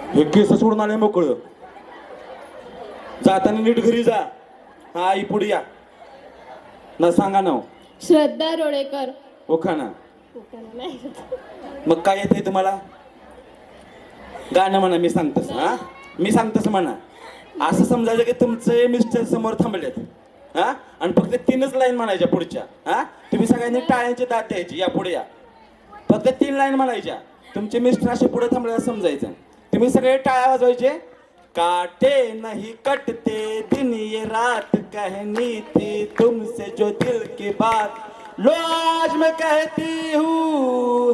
हे केस सोडून आले मोकळं. जाताना नीट घरी जा. हा आई पुढे या ना. सांगा नाव. श्रद्धा रोडेकर. ओखाना. मग काय येते तुम्हाला? गाणं म्हणा. मी सांगतस. हा मी सांगतस म्हणा. असं समजायचं की तुमचे मिस्टर समोर थांबलेत. हा आणि फक्त 3च लाईन म्हणायच्या पुढच्या. हा तुम्ही सगळ्यांनी टाळ्यांची दात द्यायची. या पुढे या. फक्त 3 लाईन म्हणायच्या. तुमचे मिस्टर असे पुढे थांबले समजायचं. तुम्ही सगळे टाळ्या वाजवायचे. काटे नहीं कटते दिन ये रात कहनी थी तुमसे जो दिल की बात लो आज मैं कहती हूँ.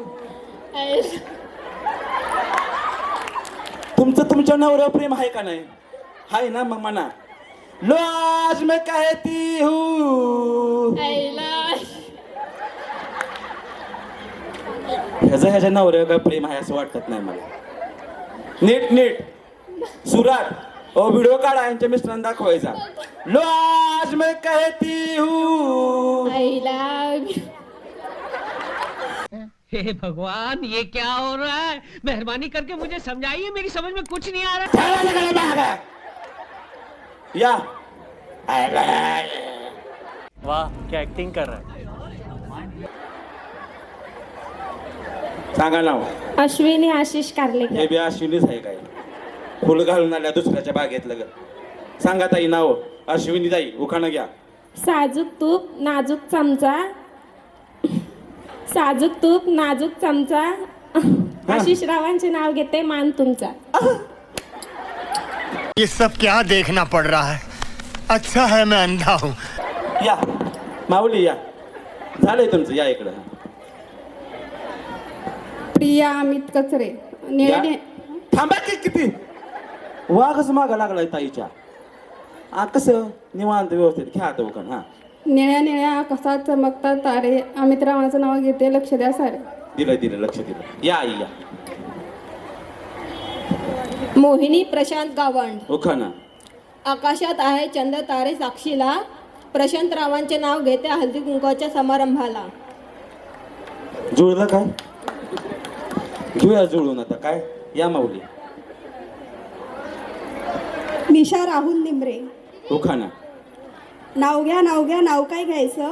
तुमचं तुमच्या नवऱ्यावर प्रेम आहे का नाही? हाय ना? मग म्हणा. लो आज मैं कहती हूँ. ह्याच्या नवऱ्यावर काय प्रेम आहे असं वाटत नाही मला. नीट नीट सुरात व्हिडिओ काढा. यांच्या मिस्टरांना दाखवायचा. लो आज मैं कहती हूँ. हे भगवान, ये क्या हो रहा है? मेहरबानी करके मुझे समझाइए, मेरी समझ में कुछ नहीं आ रहा. या. वाह, क्या एक्टिंग कर रहा है. सांगा नाव. अश्विनी आशिष कारलेकर. हे बी अश्विनीच आहे काय? फुल घालून आल्या दुसऱ्याच्या बागेतलं ग. सांगा ताई नाव. अश्विनी ताई. उखाणं घ्या. साजूक तूप नाजूक चमचा. साजूक तूप नाजूक चमचा. आशिष रावांचे नाव घेते मान तुमचा. ये सब क्या देखना पड़ रहा है. अच्छा है मैं अंधा हूँ. या माऊली या. झालंय तुमचं. या इकडं. प्रिया अमित कचरे. या. थांबा की किती वाघच मागा लागलाय ताईच्या. कसं निवांत व्यवस्थित घ्या आता उखाण. हा निळ्या निळ्या कसा चमकतात तारे. अमित रावांचं नाव घेते लक्ष द्या सारे. दिलं दिलं लक्ष दिलं. या आई या. मोहिनी प्रशांत गावंड. उखाणा. आकाशात आहे चंद्र तारे साक्षीला. प्रशांत रावांचे नाव घेते हळदी कुंकवाच्या समारंभाला. जुळलं काय? घेऊया जुळून आता काय. या माऊली. निशा राहुल निमरे. उखाणा. नाव घ्या नाव काय घ्यायचं.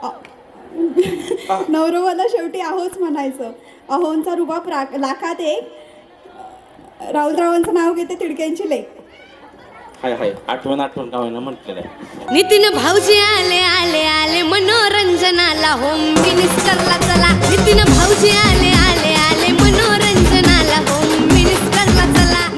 नवरोबाला शेवटी आहोच म्हणायचं. अहोंचा रुबाब लाखात एक. राहुलरावांचं नाव घेते तिडक्यांची लेक. हाय हाय. आठवण गावानं म्हटलेलं आहे. नितीन भाऊजी आले आले आले मनोरंजनाला. होम मिनिस्टरला चला. नितीन भाऊजी आले